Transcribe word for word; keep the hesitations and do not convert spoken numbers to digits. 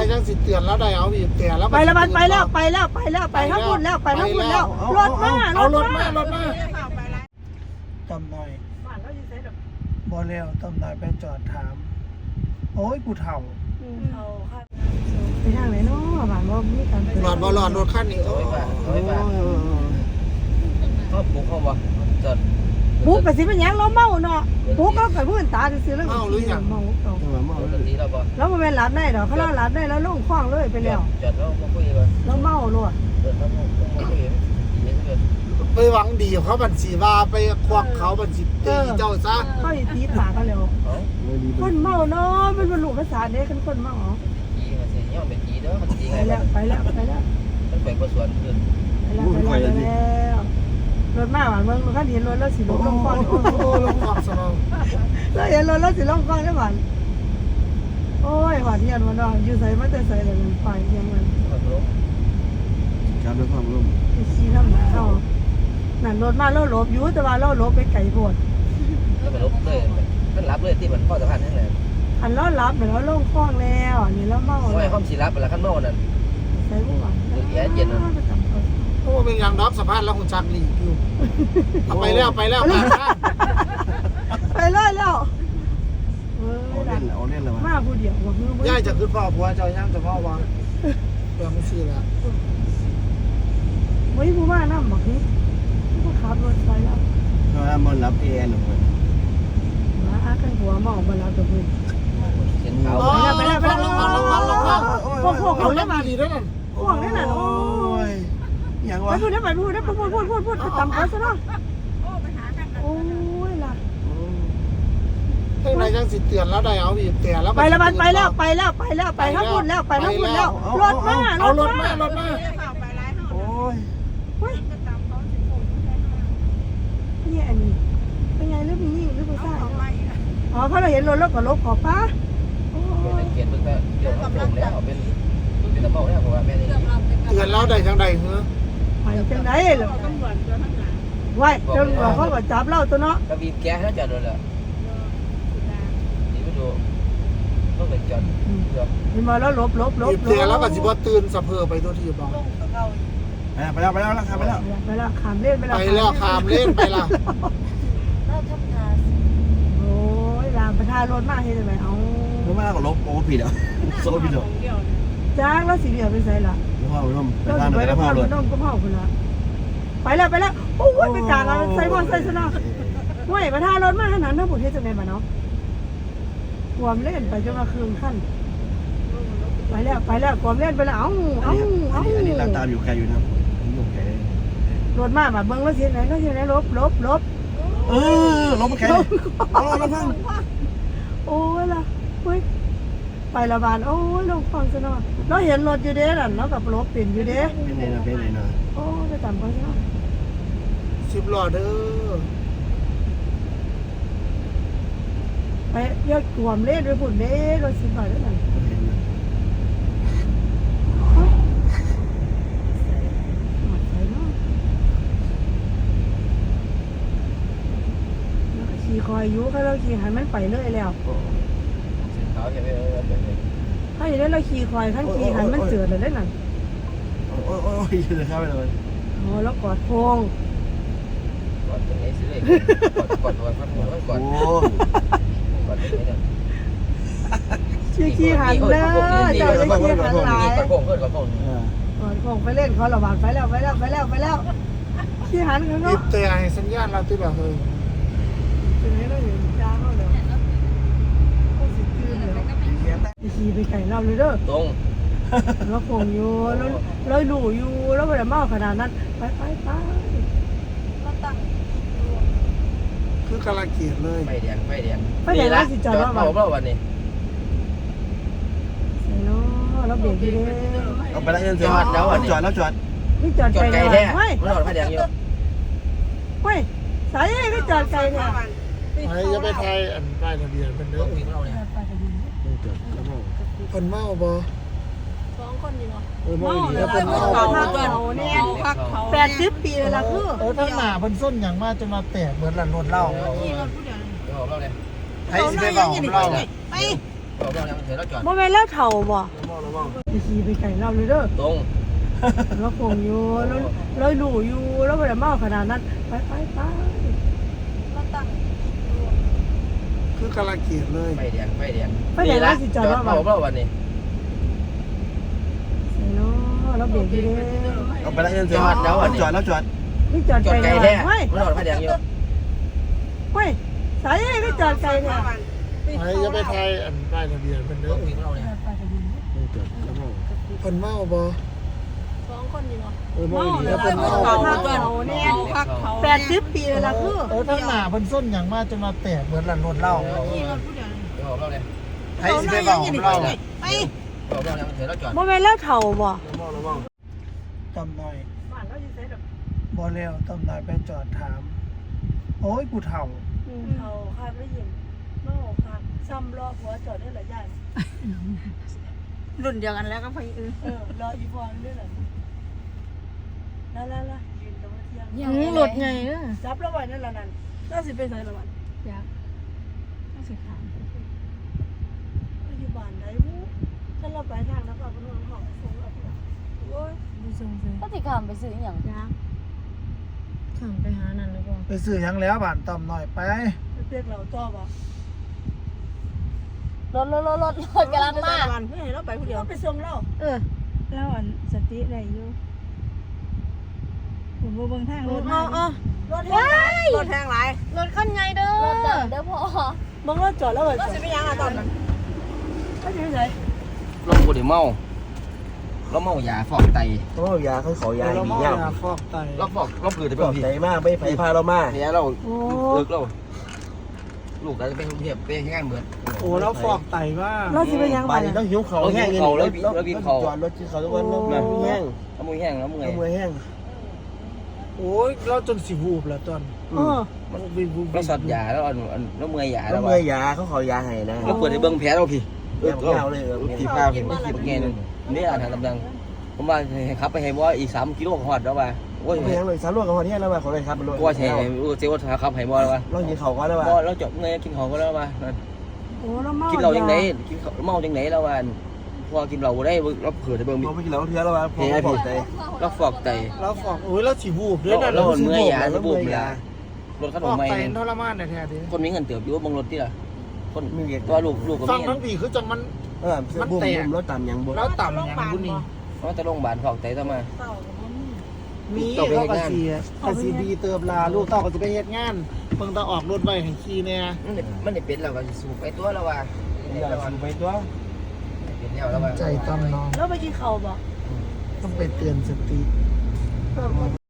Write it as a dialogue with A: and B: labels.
A: จังสิเตือนแล้วได้เอาบีบแต่แล้ว
B: ไปแล้วไปแล้วไปแล้วไปแล้วไปทั้งหมดแล้วไปทั้งหมดแล้วรถมา
A: เอารถมารถมาตำหน่อยบ่แล้วตำหน่อยไปจอดถามโอ้ยผู้เฒ่า
B: ไปทางไหนเนาะบ้านว่ามีการ
A: หลอดบ่หลอดรถคันนี้โอ้ยโอ้ย
C: เขาปุ๊กเขาบ่จอด
B: ปุ๊กไปสิเป็นยังเราเมาเนาะปุ๊กก็กับเพื่อนตาซื้อแล้ว
A: เมาหรือยัง
B: เมาเมา
C: เมาแล้วนี้เราบ่
B: แล้วมันเป็นหลับได้หรอเขาเล่าหลับได้แล้วลงคล้องเลยไปแล้ว
C: จอดแล้วมาคุยกัน
B: แล้วเมาล้วน
C: เดินแล้วมาคุยกันดีเกิน
A: ไปหวังดีเขาบัญชีว่าไปควักเขาบัญชีตีเจ้าซะ
B: เขาอีตีปากกันแล้วคนเมาเนาะเป็นบรรลุภาษาเด็กกันคนเมาเหรอ
C: จีมันเสียย่อเป็นจีเด้อมันจีไง
B: ไปแล้วไปแล้วไปแล้ว
C: มันไปประสวนขึ้น
B: ไปแล้วไปแล้วรถมาหวานเมืองมันก็เห็นรถแล้วสิลงลงคลอง
A: โอ้ลงคลองสนอง
B: แล้วเห็นรถแล้วสิลงคลองได้หวานโอ้ยหวานเย็นวันนอนอยู่ใส่มันจะใส่เลยมันไปยังมัน
D: ครับด้วยความร่วม
B: ชี้น้ำหนักเข้านั่นรถมาแล้วหลบอยู่แต่ว่าเราหลบไปไก่โพด
C: แล้วมันลบเลยมันรับเลยที่มันข้อสะพานนั่นแหละ
B: อันเรารับเดี๋ยวเราลงคลองแล้วนี่เราเมา
C: โอ้ยข้อมสีรับแล้วขั้นเมานั่น
B: ใส่บุหรี่
C: แย่เย็นนั่น
A: โอ้เป็นอย่างดอกสะพานแล้วหุ่นจักรีอยู่เอาไปแล้วไปแล้ว
B: ไปเลยแล้ว
D: เอาเล่นเอาเล่นเลย
B: มาผู้เดียวว่ามื
A: อย่าจะขึ้นพ่อผัวเจ้าย่างจะพ่อวางเปลืองไม่ซื้อแล้ว
B: ไม่ผู้ว่าน้ำบอกนี่ผู้ขับรถไปแล้ว
D: ก็มันรับเอ็นหนึ่ง
B: มาอากันหัวมองมาแล้วตัวมึง
C: เห็นเขา
B: ไปแล้วไปแล้วไปแล้วพวกพวกเขา
A: เล่นมาดีด้วยนั่น
B: พวกนี่น่ะโอ้
D: ยอย่างวะ
B: ไปพูดได้ไปพูดได้พูดพูดพูดพูดไปตามเขาซะเนาะโอ้ยล่ะ
A: เฮ้ยนายจังสิเตือนแล้วได้เอาบีบแต่แล้ว
B: ไปแล้วไปแล้วไปแล้วไปแล้วไปทั้งหมดแล้วไปทั้งหมดแล้วรถมา
A: เอารถมารถมา
D: โอ้ย
B: นี่อันนี้เป็นไงหรือมีหรือผู้ชายอ๋อเพราะเราเห็นรถแล้วก็ลบขอป้า
C: เป็นเกียรติเป็นเดี๋ยวเขาส่งแล้วเป็นเป็นตะเบาแล้วผมว่าแม่นี่
A: เตือนแล้วได้จังใดเหรอ
B: ไปจังไดเหรอไว้จนเขาก็จับเราตัวเนาะ
C: ก็บีบแก๊สแล้วจอดเลยเหรอนี่ไปดูต้องเป็นจอดเดี๋ยว
B: นี่มาแล้วลบลบลบ
A: บีบแต่แล้วก็สิบ่ตื่นสะเพอไปตัวที่บ้าน
D: ไปแล้วไปแล้วไปแล้วไปแล้ว
B: ไปแล้วขามเล่นไปแล้ว
A: ไปแล้วขามเล่นไปละ
B: โอ้ยรามประทานรถมากเห็นไหมเอา
D: ไม่มากกว่าลบโอ้ผิดอ่ะโซ่ผิดอ่ะ
B: จ้างแล้วสีเหลืองไปใส่ละ
D: พ่อร่ม
B: เราไปแล้วพ่อร่มก็พ่อคนละไปแล้วไปแล้วโอ้ยไปกลางแล้วใส่บอลใส่ชนะไม่ประทานรถมากขนาดนั้นผมเห็นจะไงมาเนาะกวมเล่นไปจนมาคืนขั้นไปแล้วไปแล้วกวมเล่นไปแล้วเอ้าเอ้าเอ้า
D: อันนี้เราตามอยู่ไกลอยู่นะอยู่ไกล
B: รถมากแบบเบิ้งรถเสียไหนรถเสียไหนลบลบลบ
D: เออลบมาไกลเอาลบพัง
B: โอ้ยล่ะเฮ้ยไประบาดโอ้ยลงฟังซะหน่อยเราเห็นรถอยู่เด้นั่นแล้วกับรถเปลี่ยนอยู่เด้
D: เป็นไงนะเป็นไงนะ
B: โอ้ไปตามเขาซะ
A: สิบล้อเด้อ
B: ไปยอดกวมเล่นด้วยผุนเด้รถสิบบาทได้ไหมขี่คอยยุเขาเราขี่หันมันไปเรื่อยแล้ว
C: เขาจะไป
B: ถ้าอย่างนี้เราขี่คอยขั้นขี่หันมันเจือเลยได้หนัง
D: โอ้ยโอ้ยจะเข้าไปเลย
B: อ๋อแล้วกอดพง
C: กอดตรงไหนสิเลยกอดกอดพัดหัวกอดกอดตรงไหนเนี่ย
B: ขี่ขี่หันเลยเจ้าจะขี่หันหลาย
C: กอดพงเพื่อนกอดพง
B: กอดพงไปเล่นเขาระบาดไปแล้วไปแล้วไปแล้วไปแล้วขี่หันเขาเนาะ
A: บีบแต่ให้สัญญาณเราที่แบบเฮ้ย
B: เป็นไงเราเห็นจ้าเขาเลยขี่ไปไก่เราเลยเด้อ
C: ตรง
B: เราคงอยู่แล้วเราหลู่อยู่แล้วไม่ได้เมาขนาดนั้นไปไปไป
A: คือกำลังเกลียดเลย
C: ไฟแดงไฟแดง
B: ไฟแดงแล้วสิจอดว่า
C: วันเราวันนี้
B: ใส่เนาะเราเบรกดีเลย
D: เอาไปแล้วจอดแล้วจอดแล้วจอด
B: นี่จอดไกล
C: แท้ไม่จอดไฟแดงอยู่
B: เฮ้ยสายนี่จอดไกลแท้
A: ไอ้จะไปไทยอันป้ายทะเบียนเป็นเด้อคนเมาบ่
B: สองคนอยู่
A: เมา
B: แล้วเป็นเมาเขาเนี่ยแปดสิบปีเลยล่ะคือ
A: เออทั้งหน้าเพิ่นส้นอย่างมากจะมาแตกเหมือนหลันรถเล่า
C: เราเลย
A: ไอ้สิไปบอกเรา
C: ไปบอกเราเดี๋ยวเราจอด
B: บ่แม่นแล้วเฒ่าบ่
D: ระวัง
B: ไปขี่ไปไก่เราเลยเด้อ
C: ตรง
B: เราคงอยู่แล้วเราหลู่อยู่แล้วไม่ได้เมาขนาดนั้นไปไปไปมาตั้ง
A: คือกำลังเกลียดเลย
C: ไฟแดงไฟแดง
B: ไปไหนแล้วสิจอด
C: จอ
B: ว่า
C: ดเผาเปล่าวันนี้
B: เนาะเราเบรกดีเลย
D: เอาไปแล้วยังจอดแล้วจอดแล้วจอด
B: นี่จอด
C: จอด
B: ไกล
C: ไกล
B: เล
C: แท้
B: ยเฮ้ย
C: ไม่จอดไฟแดงอยู่
B: เฮ้ยสายนี่จอดไกลเนี่ย
A: ไอ้จะไปไทยอันป้ายทะเบียนเป็นเด้
C: ต้
A: อ
C: องวิ่งเราเนี่ย
A: คนเมาบ่
B: สองคนอยู่
A: เออเมา
B: เมา
A: ดี
B: เลย
A: แล้วเป็นเมา
B: เขาเขาเนี่ยแปดสิบปีเลยล่ะคือ
A: เออทั้งหน้าเพิ่นส้นอย่างมากจนมาแตกเหมือนหลันรถเหล้า
B: ขี่รถผู้เดียว
C: เดี๋ยวเราเลย
A: ไอ้สิไปเบาของเรา
B: ไป
C: เผาเราเนี่ยเดี๋ยวเราจอด
B: โมเมนต์แล้วเถ่าบ่
D: ระวัง
A: ตำหน่อย
B: บ้านเราอยู่ไสดอก
A: บ่แล้วตำหน่อยไปจอดถาม โอ้ยผู้เฒ่า
B: เถ่าคาดไม่ยินเมาคาดซ้ำรอหัวจอดได้หลายอย่าง
E: รุ่นเดียวกันแล้วก็พยอือ
B: เออรออีพรด้วยเหรอนั่นๆๆยืนตรงเที่ยง
E: ยังหลุดไงเออ
B: จับแล้วไว้นั่นละนั่นน่าสิไปใส่ละวัน
E: อยากน่าสิขาม
B: ปัจจุบันได้บู๊ถ้าเราไปทางแล้วก็เอาไปนอนห้องส่งเราไปโอ้ย
E: ดูทรงเลย
F: ก็สิขามไปซื้ออหย่าง
E: อยากขามไปหานั่นหรือเปล่า
A: ไปซื้อหยังแล้วบ้านตำหน่อยไป
B: ไปเรียกเราจอบอ่ะ
F: รถรถรถรถรถกำลังมา
B: วันไม่ให้เราไปคนเดียวไปส่งเรา
E: เออแล้วอันสติได้อยู่ผมบ่เบิ่งทางรถ
B: อ๋ออ๋อรถแห้งหลายรถแห้งหลาย
E: รถคันใหญ่เด้อ
F: รถดับเด้อพ่อ
B: มึงรถจอดแล้วเหรอรถสิไปยังอ่ะตอนนั้นไม่ใช่ไหน
C: เราปวดเมาเราเมายาฟอกไต
D: ต้องเอายาเขาขอยา
A: เรา
D: ดี
A: เมา
D: เงาย
A: าฟอกไต
C: เราฟอกเราเปลือยแต่
D: ป
C: เป
D: ล
C: ล่า
D: อบ
C: พี่
D: ใจมากไม่ไปพาเรามา
C: เนี่ยเรา
B: โอ้
C: เลิกเราลูกเราจะไปกรุงเทพไปงานเหมือน
A: โอ้แล้วฟอกไตว่า
B: เราสิไปยัง
D: บ้า
B: บ้าน น
D: นี้ต้องหิวเขาแห้งจอดรถที่เขาทุกวันแล้วมือแห้ง
C: เอามือแห้งแล้วมือไง
D: มือแห้ง
A: โอ้ยเราจนสิวูบแล้วตอน
B: เออ
A: มันวิววิว
C: เราสอดยาแล้วอันแล้วมือยา
D: แล้
C: แล้ว ว
D: มือยาเขาขอยาให้นะ
C: เราเปิดในเบิ้งแผลเราพี่
D: เออเงาเลยเออ
C: ผีผ้าเห็นไม่ขีดแง่นึงนี่อ่านทางตำดังผมว่าขับไปให้ว่าอีกสามกิโลหอดแล้วว่าโอ้ย
D: ไม่ยังเลยสารลวกกับคนนี้แล้วมาขอเลยครับ
C: ว่าใช่เจ้าว่าขับให้บ่แล้วว่า
D: เราหิวเขาก็แล้วว่า
C: บ่เราจบเงยกินของก็แล้วว่า
B: โอ้เราเมา
C: กินเราจังไหนกินเมาจังไหนแล้วว่าพอกินเราได้เราเผื่อจะเบิ้ง
D: เราไม่กินเราเทือแล้วว่าพอพอใจ
C: เราฟอกไต
A: เราฟอกโอ้ยเราสิวูบด้วยนะ
C: เราเมื่อยยาจะบูมยา รถขน
A: ฟ
C: ม
A: อก
C: ไม่
A: ไตทรมานแท้ๆดิ
C: คนมีเงินเติบอยู่บางรถที่ละคน
D: มีเด็ก
C: ตัวลูกลูกก็
A: ฟัง
C: มี
A: ทั้งปีคือจังมัน
D: เออบุ้มบุ้มรถต่ำยังบุ้ม
A: แล้วต่ำอย่างบุญนี่
C: เพราะจะโรงพยาบาลฟอกไตต่อมา
B: เต่ากับมัน
A: มีเขาก็เสียก็สีบีเติมลาลูกเต้าก็จะไปเฮ็ดงานเพิ่งต้องออกรถไว้ให้ขี่เนี่ย
C: มันมันเป็นเราก็สูบไปตัวแล้วว่า
D: อย่าสูบไปตัว
C: เป็นแล้วแล้วว่า
A: ใจต้อมน้อง
B: แล้วไปกินข้าวบ่
A: ต้องไปเตือนสติ
B: เออ